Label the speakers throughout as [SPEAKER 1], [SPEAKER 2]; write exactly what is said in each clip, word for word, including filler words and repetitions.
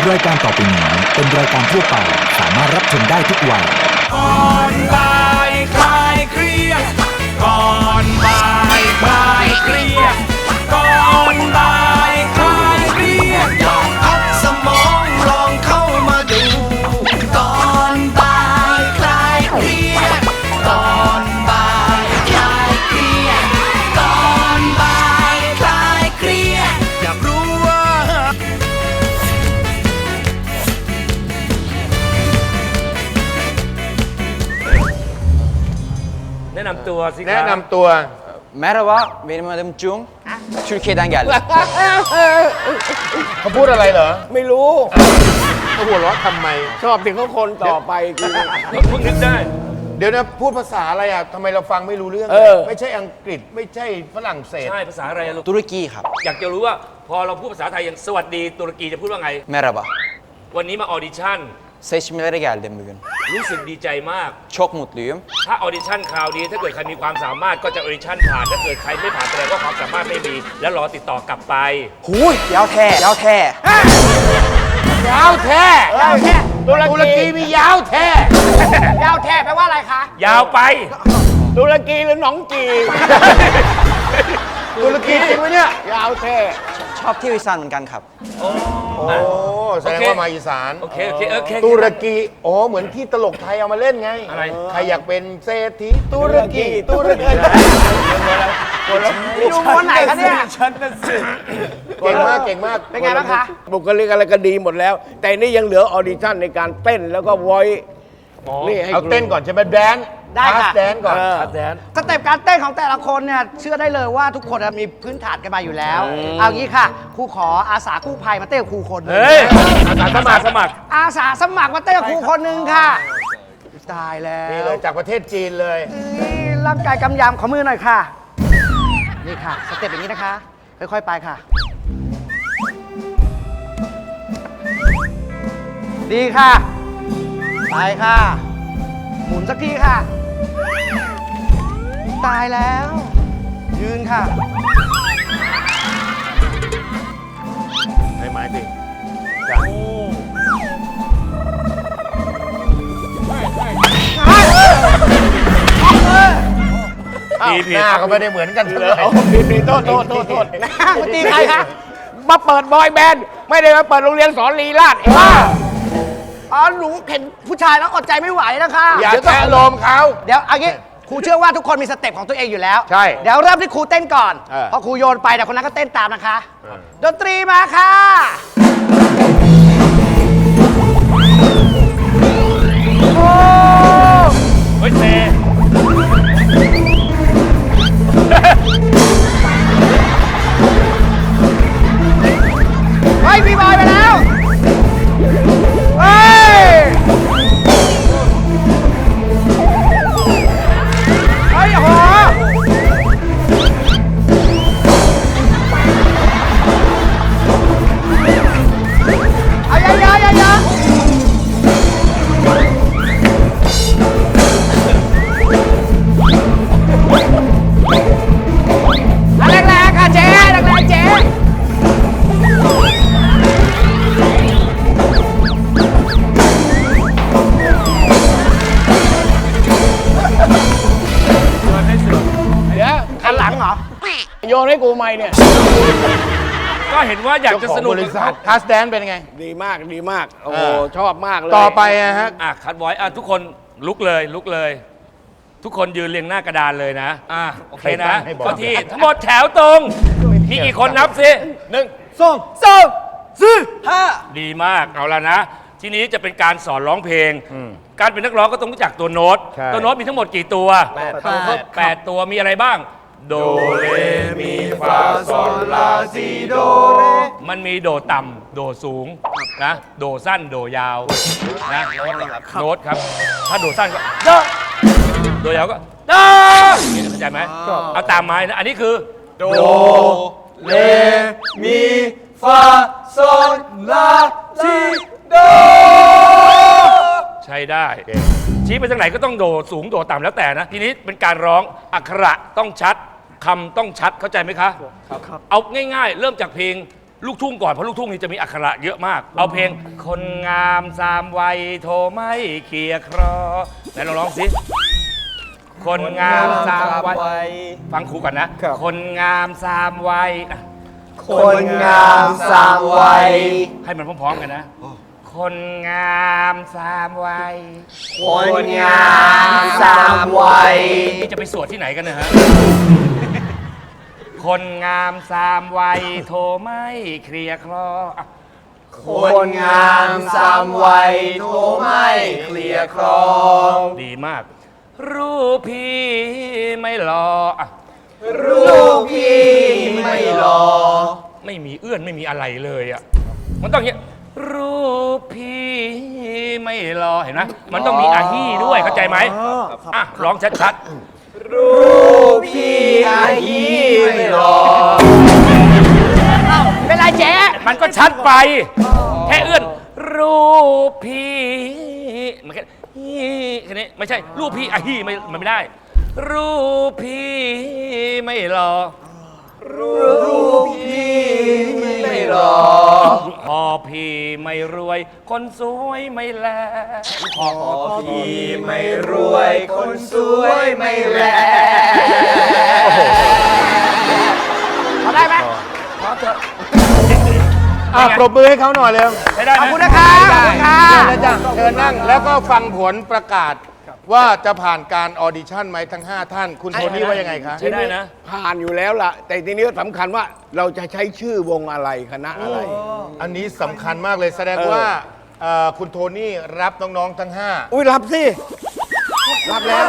[SPEAKER 1] รายการต่อไปนี้เป็นรายการทั่วไปสามารถรับชมได้ทุกวัย
[SPEAKER 2] ก่อนบ่ายคลายเครียดก่อนบ่ายคลายเครียดก่อนบ่ายคลายเครียดลองพักสมองลองเข้ามาดูก่อนบ่ายคลายเครียดก่อนบ่ายคลายเครียดก่อนบ่ายคลายเครียดอยากรู้ว่า
[SPEAKER 3] แนะนำตัวสิครับ
[SPEAKER 4] แนะนำตัว
[SPEAKER 5] Merhaba, benim adım Jung. Türkiye'den geldim.
[SPEAKER 4] เขาพูดอะไรเหรอ
[SPEAKER 6] ไม่รู้
[SPEAKER 4] เขาหัวเราะทำไม
[SPEAKER 6] ชอบที่เขาคนต่อไปคือ
[SPEAKER 3] เพิ่งนึกได้
[SPEAKER 4] เดี๋ยวนะพูดภาษาอะไรอ่ะทำไมเราฟังไม่รู้เรื่อง
[SPEAKER 6] เออ
[SPEAKER 4] ไม่ใช่อังกฤษไม่ใช่ฝรั่งเศส
[SPEAKER 3] ใช่ภาษาอะไรอะลูก
[SPEAKER 5] Turkiครับ
[SPEAKER 3] อยากจะรู้ว่าพอเราพูดภาษาไทยอย่างสวัสดีตุรกีจะพูดว่าไง
[SPEAKER 5] Merhaba.
[SPEAKER 3] วันนี้มาออดิชั่น
[SPEAKER 5] Seçmelere geldim bugün.
[SPEAKER 3] รู้สึกดีใจมาก
[SPEAKER 5] Çok mutluyum.
[SPEAKER 3] ถ้าออดิชั่นคราวนี้ถ้าเกิดใครมีความสามารถก็จะออดิชั่นผ่านถ้าเกิดใครไม่ผ่านแสดงว่าความสามารถไม่มี แล้วรอติดต่อกลับไป
[SPEAKER 5] หูยยาวแท้ยาวแท้
[SPEAKER 4] ยาวแท้
[SPEAKER 6] ยาวแท้
[SPEAKER 4] ตุรกีมียาวแท้
[SPEAKER 6] ยาวแท้แปลว่าอะไรคะ
[SPEAKER 3] ยาวไป
[SPEAKER 6] ตุรกีหรือหนองจี
[SPEAKER 4] ตุรกีจริงไหมเนี่ย
[SPEAKER 6] ยาวแท้
[SPEAKER 5] ชอบเที่ยวอีสานเหมือนกันครับ
[SPEAKER 4] โอ้แสดงว่ามาอีสาน
[SPEAKER 3] โอเคโอเคโอเค
[SPEAKER 4] ตุรกีอ๋อเหมือนที่ตลกไทยเอามาเล่นไง
[SPEAKER 3] อะไร
[SPEAKER 4] ใครอยากเป็นเศรษฐีตุรกีตุรกี
[SPEAKER 6] อยู่ม้วนไหนคะเนี่ย
[SPEAKER 4] เก่งมากเก่งมาก
[SPEAKER 6] เป็นไงบ้างคะ บุคลิกอะไรก็ดีหมดแล้ว แต่นี่ยังเหลือออดิชั่นในการเต้นแล้วก็วอยนี่ให้
[SPEAKER 4] เอาเต้นก่อนใช่ไหมแดน
[SPEAKER 7] ได้ค่ะ
[SPEAKER 4] แดนก่อน
[SPEAKER 6] เออ
[SPEAKER 3] แดน
[SPEAKER 7] สเต็ปการเต้นของแต่ละคนเนี่ยเชื่อได้เลยว่าทุกคนมีพื้นฐานกันมาอยู่แล้ว เอางี้ค่ะครูขออาสากู้ภัยมาเต้นกับครูคนหนึง
[SPEAKER 3] เฮ้ยอาสาสมัครสมัคร
[SPEAKER 7] อาสาสมัครมาเต้นกับครูคนหนึ่งค่ะตายแล้ว
[SPEAKER 4] นี่เลยจากประเทศจีนเลย
[SPEAKER 7] นี่ร่างกายกำยำขอมือหน่อยค่ะ นี่ค่ะสเต็ปอย่างนี้นะคะ ค่อยๆไปค่ะ ดีค่ะ ไปค่ะ หมุนสักทีค่ะ ตายแล้ว ยืนค่ะ
[SPEAKER 4] ให้ไม้สิ
[SPEAKER 3] ดีผิ
[SPEAKER 4] ห
[SPEAKER 3] ด
[SPEAKER 4] น้าก็ไม่ได้เหมือนกันเท่าไหร่
[SPEAKER 6] ผิดผิดโทษโทษโทษโทษ
[SPEAKER 7] มาตีใครคะ
[SPEAKER 6] มาเปิดบอยแบนด์ไม่ได้มาเปิดโรงเรียนสอนลีลาดเองว่า
[SPEAKER 7] อ๋อหนูเห็นผู้ชายแล้วอดใจไม่ไหวนะคะ
[SPEAKER 4] อย่าแทะโลมเขา
[SPEAKER 7] เดี๋ยวเอางี้ครูเชื่อว่าทุกคนมีสเต็ปของตัวเองอยู่แล้ว
[SPEAKER 4] ใช่
[SPEAKER 7] เดี๋ยวเริ่มที่ครูเต้นก่อน
[SPEAKER 4] เออ
[SPEAKER 7] พอครูโยนไปแต่คนนั้นก็เต้นตามนะคะ ดนตรีมาค่ะ โอ้
[SPEAKER 3] เฮ้ยเซ
[SPEAKER 7] เฮ้ยพี่บอยไปแล้วเฮ้ยเฮ้ยโอ้โหเอาอย่าอย่าอย่าอย่าแรงแรงค่ะเจ๊แรงแรงเจ๊
[SPEAKER 6] เดี๋ยว
[SPEAKER 7] คันหลังเหรอ
[SPEAKER 6] โยนให้กูไหมเนี่ย
[SPEAKER 3] ก็เห็นว่าอยากจะสนุก
[SPEAKER 4] บริษัททัสแดนเป็นไง
[SPEAKER 6] ดีมากดีมาก โอ้
[SPEAKER 4] เอ
[SPEAKER 6] โห
[SPEAKER 4] อ
[SPEAKER 6] ชอบมากเลย
[SPEAKER 4] ต่อไปอะฮะ
[SPEAKER 3] อ่ะคัดไว้อ่ะทุกคนลุกเลยลุกเลย ทุกคนยืนเรียงหน้ากระดานเลยนะอ่ะโอเคนะ
[SPEAKER 4] ให้บอก
[SPEAKER 3] เข้าที่ทั้งหมดแถวตรง มีกี่คนนับสิ
[SPEAKER 4] หนึ่ง
[SPEAKER 7] สองสามสี่ห้า
[SPEAKER 3] ดีมากเอาละนะ ทีนี้จะเป็นการสอนร้องเพลง การเป็นนักร้องก็ต้องรู้จักตัวโน้ต
[SPEAKER 4] ใช่
[SPEAKER 3] ตัวโน้ตมีทั้งหมดกี่ตัว
[SPEAKER 6] แปด
[SPEAKER 3] แปดตัวมีอะไรบ้าง โดเรมีฟาซอลลาซีโดมันมีโดต่ำโดสูงนะโดสั้นโดยาวนะโน้ตครับ ถ้าโดสั้นก็โดโดยาวก็โดเข้าใจไหมเอาตามไม้นะอันนี้คือโด
[SPEAKER 5] เลมีฟาโซลาซีโด
[SPEAKER 3] ใช้ได้ ชี้ไปทางไหนก็ต้องโดสูงโดต่ำแล้วแต่นะ ทีนี้เป็นการร้องอักขระต้องชัดคำต้องชัดเข้าใจไหมคะครับเอาง่ายๆ เริ่มจากเพลงลูกทุ่งก่อนเพราะลูกทุ่งนี่จะมีอักขระเยอะมาก เอาเพลงคนงามสามวัยโทรไม่เคลียร์ครอไหนลองร้องสิคนงามสามวัยฟังครูก่อนนะ คนงามสามวัยอ่ะ
[SPEAKER 5] คนงามสามวัย
[SPEAKER 3] ให้มันพร้อมๆกันนะ คนงามสามวัย
[SPEAKER 5] คนงามสามวัย
[SPEAKER 3] นี่จะไปสวดที่ไหนกันเนะฮะ คนงามสามวัยโทรไม่เคลียร์คลออ่ะ
[SPEAKER 5] คนงามสามวัยโทรไม่เคลียร์ครอง
[SPEAKER 3] ดีมาก รูปพี่ไม่รออ่ะ
[SPEAKER 5] ลูกพี่ไม่รอ
[SPEAKER 3] ไม่มีเอื้อนไม่มีอะไรเลยอ่ะ มันต้องอย่างเงี้ย รูปพี่ไม่รอเห็นไหมมันต้องมีอาฮี่ด้วยเข้าใจไหมอ่ะร้องชัดๆ
[SPEAKER 5] ลูกพี่อายีไม่รอ
[SPEAKER 7] เป็นไรเจ๊
[SPEAKER 3] มันก็ชัดไป แค่เอื้อน รูปพี่มันแค่ฮี่แค่นี้ไม่ใช่ รูปพี่อาฮี่ไม่มันไม่ได้ รูปพี่ไม่รอ
[SPEAKER 5] ลูกพี่ไม่รอ
[SPEAKER 3] พอพี่ไม่รวย คนสวยไม่แลพอ
[SPEAKER 5] พี่ไม่รวยคนสวยไม่แล
[SPEAKER 7] พอได้ไหม
[SPEAKER 4] อ่ะปรบมือให้เขาหน่อยเร็ว
[SPEAKER 3] ใช้ได้
[SPEAKER 7] ขอบ
[SPEAKER 3] ไหม
[SPEAKER 7] คุณนะครับขอบคุณค่ะ
[SPEAKER 4] เชิญเลยจ้ะเชิญนั่งแล้วก็ฟังผลประกาศว่าจะผ่านการออดิชั่นไหมทั้ง ห้า ท่าน คุณโทนี่ว่ายังไงคะ
[SPEAKER 3] ใช้ได้นะ
[SPEAKER 6] ผ่านอยู่แล้วล่ะ แต่ทีนี้สำคัญว่าเราจะใช้ชื่อวงอะไรคณะอะไร
[SPEAKER 4] อันนี้สำคัญมากเลยแสดงว่าเอ่อคุณโทนี่รับน้องๆทั้ง ห้า
[SPEAKER 6] อุ้ยรับสิ รับแล้ว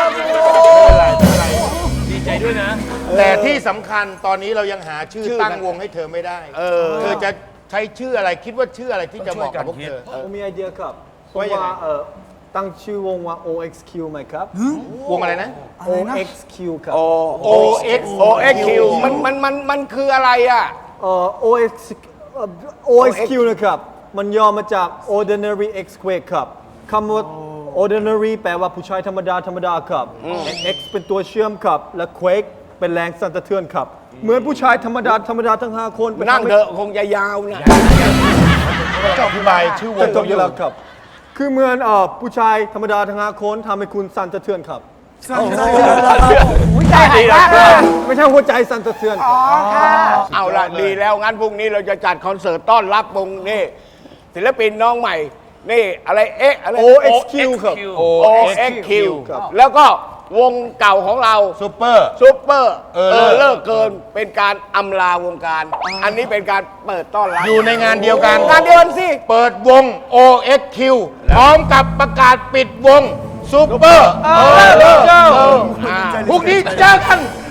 [SPEAKER 3] ดีใจด้วยนะ
[SPEAKER 4] แต่ที่สำคัญตอนนี้เรายังหาชื่อ
[SPEAKER 6] ชื่อ
[SPEAKER 4] ตั้งวงให้เธอไม่ได้
[SPEAKER 6] เออ
[SPEAKER 4] เธอจะใช้ชื่ออะไรคิดว่าชื่ออะไรที่จะเหมาะกับพวกเธอ
[SPEAKER 8] ผมมีไอเดียครับเพ
[SPEAKER 4] ว่า
[SPEAKER 8] ราะ
[SPEAKER 4] ยังไง
[SPEAKER 8] ว่าเอ่อตั้งชื่อวงว่า โอ เอ็กซ์ คิว ไหมครับ
[SPEAKER 4] วงอะไรนะ
[SPEAKER 8] โอ เอ็กซ์ คิว ครับ
[SPEAKER 6] โอ
[SPEAKER 4] โอ X
[SPEAKER 6] โอเอ็กคิวมันมันมันมันคืออะไรอ่ะ
[SPEAKER 8] เอ่อ โอ เอ็กซ์ เอ่อ โอ เอ็กซ์ คิว นะครับ มันย่อมาจาก ordinary x squared ครับคำว่า ordinary แปลว่าผู้ชายธรรมดา ธรรมดาครับ x เป็นตัวเชื่อมครับ และ quake เป็นแรงสั่นสะเทือนครับ เหมือนผู้ชายธรรมดา ธรรมดาทั้ง ห้า คนไป
[SPEAKER 6] นั่ง
[SPEAKER 8] ทำให้
[SPEAKER 6] เถอะคงจะยาวนะ
[SPEAKER 4] จะอธิบายชื่อวง
[SPEAKER 8] จะจบอยู่แล้วครับ คือเหมือนเอ่อผู้ชายธรรมดาทั้ง ห้า คนทำให้คุณสั่นสะเทือนครับ
[SPEAKER 7] หัวใจหายมากเลย
[SPEAKER 8] ไม่ใช่หัวใจสั่นสะเทือนครับ
[SPEAKER 6] เอาละดีแล้วงั้นพรุ่งนี้เราจะจัดคอนเสิร์ตต้อนรับวงนี่ศิลปินน้องใหม่ นี่อะไรเอ๊ะอะไร
[SPEAKER 8] โอ เอ็กซ์ คิว ครับ
[SPEAKER 6] โอเอ็กคิวแล้วก็วงเก่าของเรา
[SPEAKER 4] ซูเปอร์
[SPEAKER 6] ซูเปอร์
[SPEAKER 4] เอ
[SPEAKER 6] เอ
[SPEAKER 4] อ
[SPEAKER 6] อเลิกเกินเป็นการอำลาวงการ อันนี้เป็นการเปิดต้อนรับ
[SPEAKER 4] อยู่ในงานเดียวกัน
[SPEAKER 6] งานเดียวกันสิ
[SPEAKER 4] เปิดวง โอ เอ็กซ์ คิว พร้อมกับประกาศปิดวงซูเปอร์เออเลิกเกินพรุ่งนี้เจอกัน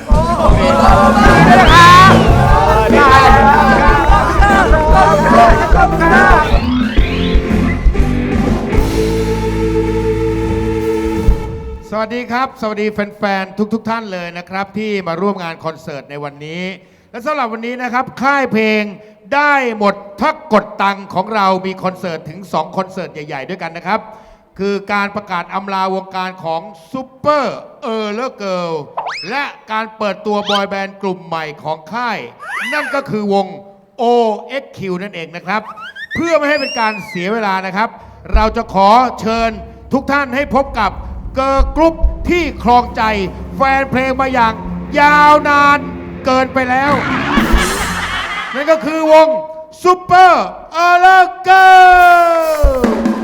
[SPEAKER 9] สวัสดีครับ สวัสดีแฟนๆ ทุกๆ ท่านเลยนะครับ ที่มาร่วมงานคอนเสิร์ตในวันนี้ และสำหรับวันนี้นะครับ ค่ายเพลงได้หมดทักกดตังของเรามีคอนเสิร์ตถึง สอง คอนเสิร์ตใหญ่ๆ ด้วยกันนะครับ คือการประกาศอำลาวงการของซูเปอร์เออร์เลอร์เกิลและการเปิดตัวบอยแบนด์กลุ่มใหม่ของค่าย นั่นก็คือวง โอ เอ็กซ์ คิว นั่นเองนะครับ เพื่อไม่ให้เป็นการเสียเวลานะครับ เราจะขอเชิญทุกท่านให้พบกับเกิร์ลกรุ๊ปที่ครองใจแฟนเพลงมาอย่างยาวนานเกินไปแล้ว นั่นก็คือวงซูเปอร์เออร์เลอร์เกิล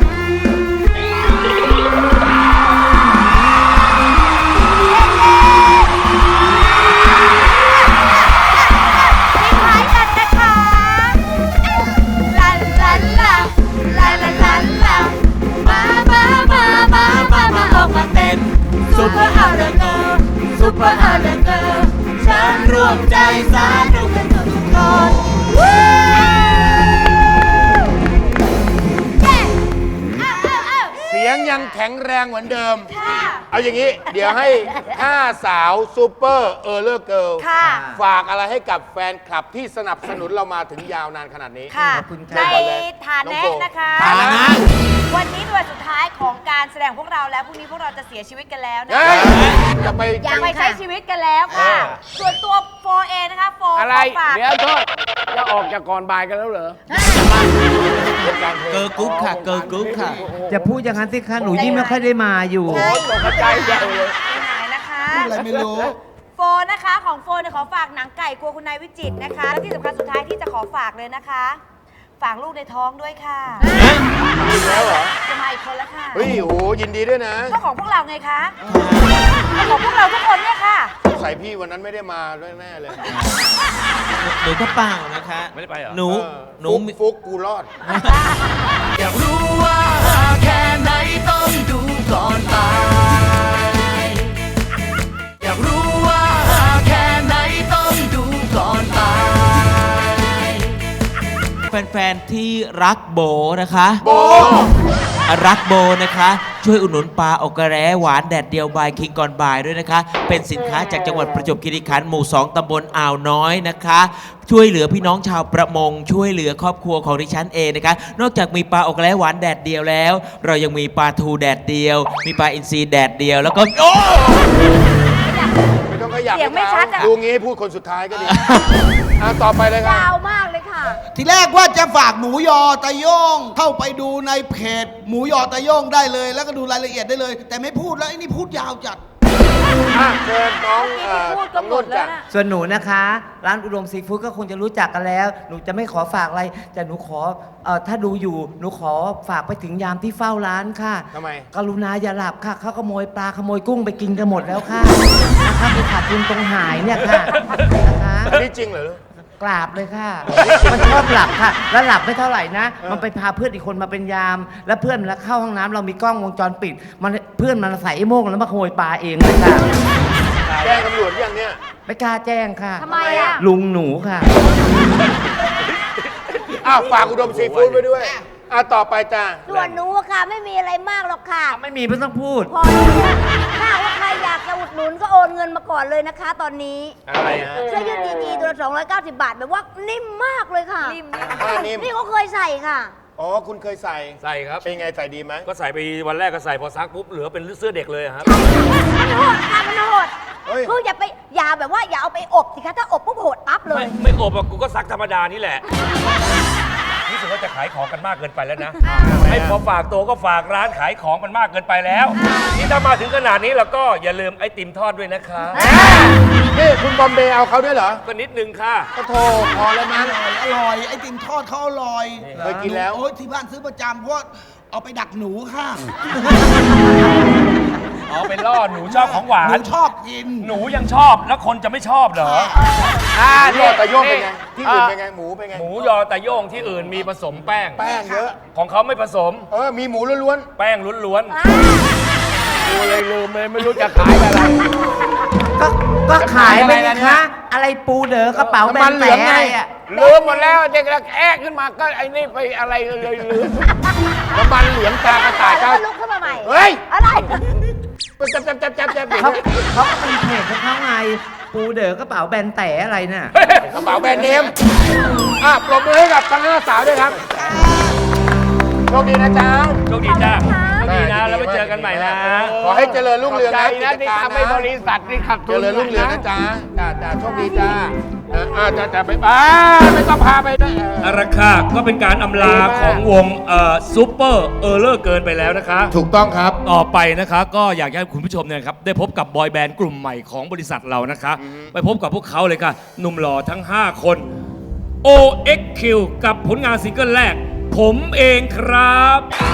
[SPEAKER 10] ท้ายกันนะคะลาลาลาลาลาลาลามามามามามามาออกมาเต้นซุปเปอร์อาร์เรเกอร์ซุปเปอร์อาร์เรเกอร์ฉันรวมใจสาธุกันทุกคนวู้เย้อ้าวอ้าวอ้าว
[SPEAKER 4] เสียงยังแข็งแรงเหมือนเดิม
[SPEAKER 10] ค่ะ
[SPEAKER 4] เอาอย่างนี้ เดี๋ยวให้ห้าสาวซูเปอร์เออร์เลอร์เกิล
[SPEAKER 10] ค่ะ
[SPEAKER 4] ฝากอะไรให้กับแฟนคลับที่สนับสนุนเรามาถึงยาวนานขนาดนี้
[SPEAKER 10] ค่ะ ใน
[SPEAKER 4] ก่อนเลย
[SPEAKER 10] ฐา
[SPEAKER 4] น้อง
[SPEAKER 10] นะ
[SPEAKER 4] โฟ
[SPEAKER 10] นะคะ
[SPEAKER 4] ฐานะ
[SPEAKER 10] วันนี้เป็นวันสุดท้ายของการแสดงพวกเราแล้วพรุ่งนี้พวกเราจะเสียชีวิตกันแล้วนะ
[SPEAKER 4] เฮ้ยจะไป
[SPEAKER 10] อยากไปใช้ชีวิตกันแล้วค่ะ ส่วนตัวโฟเอนะคะโฟ
[SPEAKER 6] อะไร
[SPEAKER 10] ขฝาก
[SPEAKER 6] เดี๋ยวโทษแล้วออกจากก่อนบ่ายกันแล้วเหรอ
[SPEAKER 5] เกอร์กรุ๊ปค่ะ เกอร์กรุ๊ปค่ะ
[SPEAKER 11] จะพูดอย่างนั้นสิคะหนูยิ่งไม่ค่อยได้มาอยู่
[SPEAKER 6] โอ้ยตกใจใหญ่เลย
[SPEAKER 10] ไปไหนนะคะ
[SPEAKER 5] อะไรไม่รู้
[SPEAKER 10] โฟนนะคะของโฟนเนี่ยขอฝากหนังไก่กลัวคุณนายวิจิตรนะคะ และที่สำคัญสุดท้ายที่จะขอฝากเลยนะคะ ฝากลูกในท้องด้วยค่ะ
[SPEAKER 4] อีกแล้วเหรอ
[SPEAKER 10] จะมาอีกคนแล้วค่ะ
[SPEAKER 4] เฮ้ยโอ้ยินดีด้วยนะ
[SPEAKER 10] ก็ของพวกเราไงคะก็ของพวกเราทุกคนเนี่ยค่ะ
[SPEAKER 4] ใส่พี่วันนั้นไม่ได้มาด้วยแน่เลย
[SPEAKER 5] หนูก็เปล่านะคะ
[SPEAKER 3] ไม่ได้ไปเหรอ
[SPEAKER 5] หนู
[SPEAKER 4] เออ
[SPEAKER 5] หนู
[SPEAKER 4] ฟุกฟุกกูรอด
[SPEAKER 2] อยากรู้ว่าแค่ไหนต้องดูก่อนตาย อยากรู้ว่าแค่ไหนต้องดูก่อนตาย
[SPEAKER 5] แฟนๆที่รักโบนะคะ
[SPEAKER 4] โบ
[SPEAKER 5] รักโบนะคะ ช่วยอุดหนุนปลาอกกระแร้หวานแดดเดียวบายคิงก่อนบ่ายด้วยนะคะ เป็นสินค้าจากจังหวัดประจวบคีรีขันธ์หมู่สองตำบลอ่าวน้อยนะคะ ช่วยเหลือพี่น้องชาวประมง ช่วยเหลือครอบครัวของดิฉันเองนะคะ นอกจากมีปลาอกกระแร้หวานแดดเดียวแล้ว เรายังมีปลาทูแดดเดียว มีปลาอินทรีแดดเดียวแล้วก็โอ้
[SPEAKER 4] ไม่ต้องขยับ
[SPEAKER 10] เสียงไม่ชัดอะ
[SPEAKER 4] ดูงี้พูดคนสุดท้ายก็ดี อ่ะต่อไปเลยครับ
[SPEAKER 10] ยาวมากเลยค่ะ
[SPEAKER 12] ทีแรกว่าจะฝากหมูยอตะโย่งเข้าไปดูในเพจหมูยอตะโย่งได้เลย แล้วก็ดูรายละเอียดได้เลย แต่ไม่พูดแล้วไอ้นี่พูดยาวจัด
[SPEAKER 4] อ่ะเชิญน้องเอ่อ
[SPEAKER 10] พูดก็
[SPEAKER 4] น้อง
[SPEAKER 10] หม
[SPEAKER 4] นุ่
[SPEAKER 10] ด
[SPEAKER 4] น
[SPEAKER 10] แล้
[SPEAKER 4] จ้ะ
[SPEAKER 10] วนะ
[SPEAKER 11] ส่วนหนูนะคะ ร้านอุดมซีฟู้ดก็คงจะรู้จักกันแล้ว หนูจะไม่ขอฝากอะไร แต่หนูขอเอ่อถ้าดูอยู่หนูขอฝากไปถึงยามที่เฝ้าร้านค่ะ
[SPEAKER 4] ทำไม
[SPEAKER 11] กรุณาอย่าหลับค่ะเขาขโมยปลาขโมยกุ้งไปกินกันหมดแล้วค่ะนะคะไปขาดทุนตรงหายเนี่ยค่ะนะคะ
[SPEAKER 4] อันนี้จริงเหรอ
[SPEAKER 11] กราบเลยค่ะ มันชอบหลับค่ะ แล้วหลับไม่เท่าไหร่นะ มันไปพาเพื่อนอีกคนมาเป็นยาม แล้วเพื่อนมันเข้าห้องน้ำเรามีกล้องวงจรปิด มันเพื่อนมันใส่ไอ้โม่งแล้วมาขโมยปลาเองเลยค่ะ
[SPEAKER 4] แจ้งตำรวจยังเนี่ย
[SPEAKER 11] ไม่กล้าแจ้งค่ะ
[SPEAKER 10] ทำไมอ่ะ
[SPEAKER 11] ลุงหนูค่ะ
[SPEAKER 4] อ้าวฝากอุดมซีฟู้ดไว้ด้วยอ่ะต่อไปจ้า
[SPEAKER 10] ส่วนหนูอะค่ะไม่มีอะไรมากหรอกค่ะ
[SPEAKER 11] ไม่มีไม่ต้องพูด
[SPEAKER 10] พอแล้วเนี่ยถ้าว่าใครอยากจะอุดหนุนก็โอนเงินมาก่อนเลยนะคะ ตอนนี้
[SPEAKER 4] อะไรฮะ
[SPEAKER 10] เสื้อยืดดีๆตัวละสองร้อยเก้าสิบบาทแบบว่านิ่มมากเลยค่ะ นิ่ม
[SPEAKER 4] ผ้านิ่ม
[SPEAKER 10] นี่เขาเคยใส่ค่ะ
[SPEAKER 4] อ๋อคุณเคยใส่
[SPEAKER 3] ใส่ครับ
[SPEAKER 4] เป็นไงใส่ดีไหม
[SPEAKER 3] ก็ใส่ไปวันแรกก็ใส่พอซักปุ๊บเหลือเป็นเสื้อเด็กเลยอะครับ
[SPEAKER 10] มันโหดค่ะมันโหด
[SPEAKER 4] เฮ้ย
[SPEAKER 10] คืออย่าไปอย่าแบบว่าอย่าเอาไปอบสิคะถ้าอบปุ๊บโหดปั๊บเล
[SPEAKER 3] ไม่
[SPEAKER 10] ย
[SPEAKER 3] ไม่อบอะกูก็ซักธรรมดานี่แหละรู้สึกว่าจะขายของกันมากเกินไปแล้วนะ ให้พอฝากตัวก็ฝากร้านขายของมันมากเกินไปแล้วนี่ถ้ามาถึงขนาดนี้แล้วก็อย่าลืมไอติมทอดด้วยนะคะ
[SPEAKER 4] นี่คุณบอมเบย์เอาเขาด้วยเหรอ
[SPEAKER 3] ก็นิดนึงค่ะ
[SPEAKER 4] ก็โทรพอแล้วมั้ง
[SPEAKER 12] อร่อย ไอติมทอดเขาอร่อย
[SPEAKER 4] เคยกินแล้ว
[SPEAKER 12] โอ้ยที่บ้านซื้อประจำเพราะว่าเอาไปดักหนูค่ะ
[SPEAKER 3] อ๋อเป็นล่อหนูชอบของหวา
[SPEAKER 12] หนู
[SPEAKER 3] น
[SPEAKER 12] ชอบกิน
[SPEAKER 3] หนูยังชอบแล้วคนจะไม่ชอบเหรอ
[SPEAKER 4] อ่านี่แต่โยกเป็นไง ที่อื่นเป็นไง หมูเป็นไง
[SPEAKER 3] หมูยอตะโย่งที่อื่นมีผสมแป้ง
[SPEAKER 4] แป้งเยอะ
[SPEAKER 3] ของเขาไม่ผสม
[SPEAKER 4] เออ มีหมูล้วน
[SPEAKER 3] แป้งล้วน
[SPEAKER 6] กูเลยลืมเลยไม่รู้จะขายอะไร
[SPEAKER 11] ก็ก็ขายไปนะคะ อะไรปูเด๋อกระเป๋าแบนแหนอะไรอ่ะ
[SPEAKER 6] ลืมหมดแล้วเด็กระแอะขึ้นมาก็ไอ้นี่ไปอะไรเลยลืมน้ำมันเหลืองตากระต่ายก็
[SPEAKER 10] ลุกขึ้นมาใหม่
[SPEAKER 6] เฮ้ย
[SPEAKER 10] อะไร
[SPEAKER 6] จับจับจับจับจับ
[SPEAKER 11] เขาเขาก็เป็นเพจของเขาไง ปูเด๋อกระเป๋าแบนแต่อะไรน่ะ
[SPEAKER 6] กระเป๋าแบรนด์เนมอ่ะปรบมือให้กับทั้งห้าสาวด้วยครับโชคดีนะจ๊ะ
[SPEAKER 3] ๆโชคดีจ้าโชคดีนะแล้วไปเจอกันใหม่นะ
[SPEAKER 4] ขอให้เจริญรุ่งเรือง
[SPEAKER 6] ใจ
[SPEAKER 4] นะ
[SPEAKER 6] นะที่ทำให้บริษัทนี่ขัด
[SPEAKER 4] เจ
[SPEAKER 6] ทุน
[SPEAKER 4] ริญรุ่งเรืองนะจ๊ะจ้าจ้าโชคดีจ้าอ่าอ่าจ้าจ้าไป
[SPEAKER 6] อ่าไม่ต้องพาไปด้วย
[SPEAKER 3] อาราคาก็เป็นการอำลาของวงเอ่อซูเปอร์เออร์เลอร์เกินไปแล้วนะคะ
[SPEAKER 9] ถูกต้องครับ
[SPEAKER 3] ต่อไปนะคะก็อยากให้คุณผู้ชมเนี่ยนะครับได้พบกับบอยแบนด์กลุ่มใหม่ของบริษัทเรานะคะ ไปพบกับพวกเขาเลยค่ะ หนุ่มหล่อทั้ง ห้า คน โอ เอ็กซ์ คิว กับผลงานซิงเกิลแรก ผมเองครับ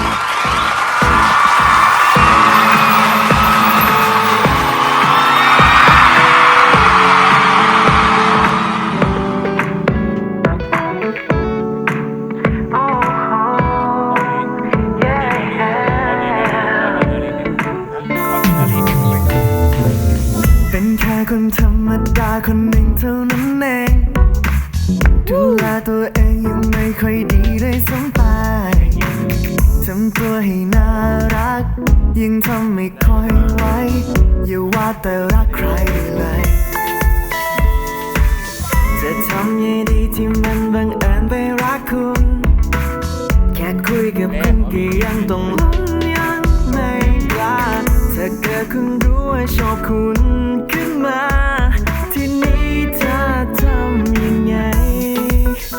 [SPEAKER 2] เป็นแค่คนธรรมดาคนหนึ่งเท่านั้นเองดูแลตัวเองยังไม่ค่อยดีเลยสัมไปทำตัวให้น่ารักยังทำไม่ค่อยไหวอย่าว่าแต่รักใครเลย จะทำยังดีที่มันบังเอิญไปรักคุณ แค่คุยกับคุณก็ยังต้องลุ้นยังไม่กล้าถ้าเกิดคุณรู้ว่าชอบคุณขึ้นมา ทีนี้เธอทำยังไง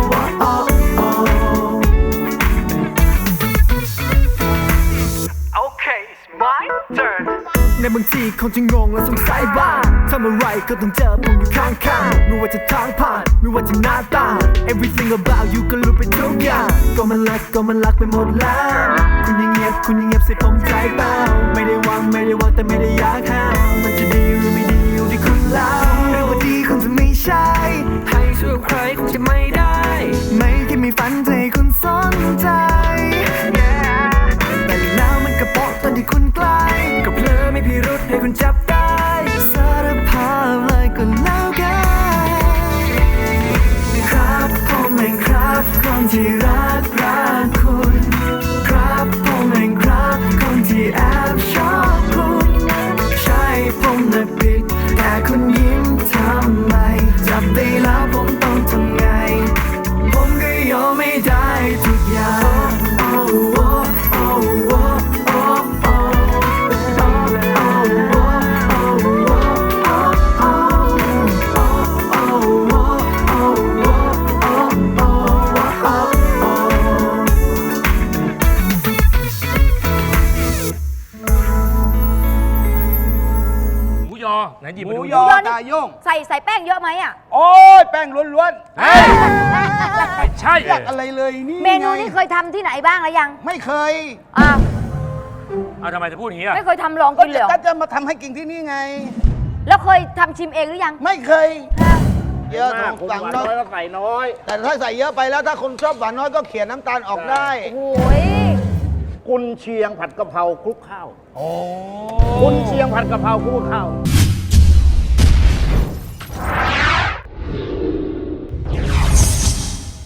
[SPEAKER 13] oh, oh. บางทีคงจะงงและสงสัยบ้างทำอะไรก็ต้องเจอผมอยู่ข้างๆไม่ว่าจะทางผ่านไม่ว่าจะหน้าตา Everything about you ก็รู้ไปทุกอย่างก็มันรักก็มันรักไปหมดแล้วคุณยังเงียบคุณยังเงียบใส่ผมใจเปล่าไม่ได้หวังไม่ได้หวังแต่ไม่ได้อยากห้ามมันจะดีหรือไม่ดีอยู่ที่คุณแล้วเรื่องว่าดีคงจะไม่ใช่ให้ช่วยใครคงจะไม่ได้ไม่แค่มีฝันใจคุณสนใจ แต่แล้วมันก็โป๊ะตอนที่คุณใกล้ก็เพลอไม่พิรุธให้คุณจับได้สารภาพเลยก็แล้วกันครับผมเองครับคนที่รักรักคุณครับผมเองครับคนที่แอบชอบคุณใช่ผมน่ะผิดแต่คุณยิ้มทำไมจับได้แล้วผมต้องทำไงผมก็ยอมไม่ได้ทุกอย่าง oh, oh, oh, oh, oh,
[SPEAKER 3] หมูยอไหนหยิบ
[SPEAKER 6] ห
[SPEAKER 3] มา
[SPEAKER 6] มู
[SPEAKER 3] ดู
[SPEAKER 6] ยอตาโย่ง
[SPEAKER 10] ใส่ใส่แป้งเยอะไหมอ่ะ
[SPEAKER 6] โอ้ยแป้งล้วน
[SPEAKER 3] เฮ้ยไม่ใช่
[SPEAKER 6] ๆอยากอะไรเลยนี่
[SPEAKER 10] เมนู
[SPEAKER 6] ไง
[SPEAKER 10] นี้เคยทำที่ไหนบ้างแล้วยัง
[SPEAKER 6] ไม่เคย
[SPEAKER 10] อ้าว
[SPEAKER 3] เอาทำไมจะพูดอย่างนี้อ่ะ
[SPEAKER 10] ไม่เคยทำลองกินเลยเหรอ
[SPEAKER 6] ก็จะมาทำให้กินที่นี่ไง
[SPEAKER 10] แล้วเคยทำชิมเองหรือยัง
[SPEAKER 6] ไม่เคย
[SPEAKER 10] ฮะ
[SPEAKER 6] เยอะของสั่งน้อยก็ใส่น้อย แต่ถ้าใส่เยอะไปแล้วถ้าคนชอบหวานน้อยก็เขียนน้ำตาลออกได้
[SPEAKER 10] โอ้ย
[SPEAKER 6] กุนเชียงผัดกะเพราคลุกข้าว โอ้กุนเชียงผัดกะเพราคลุกข้าว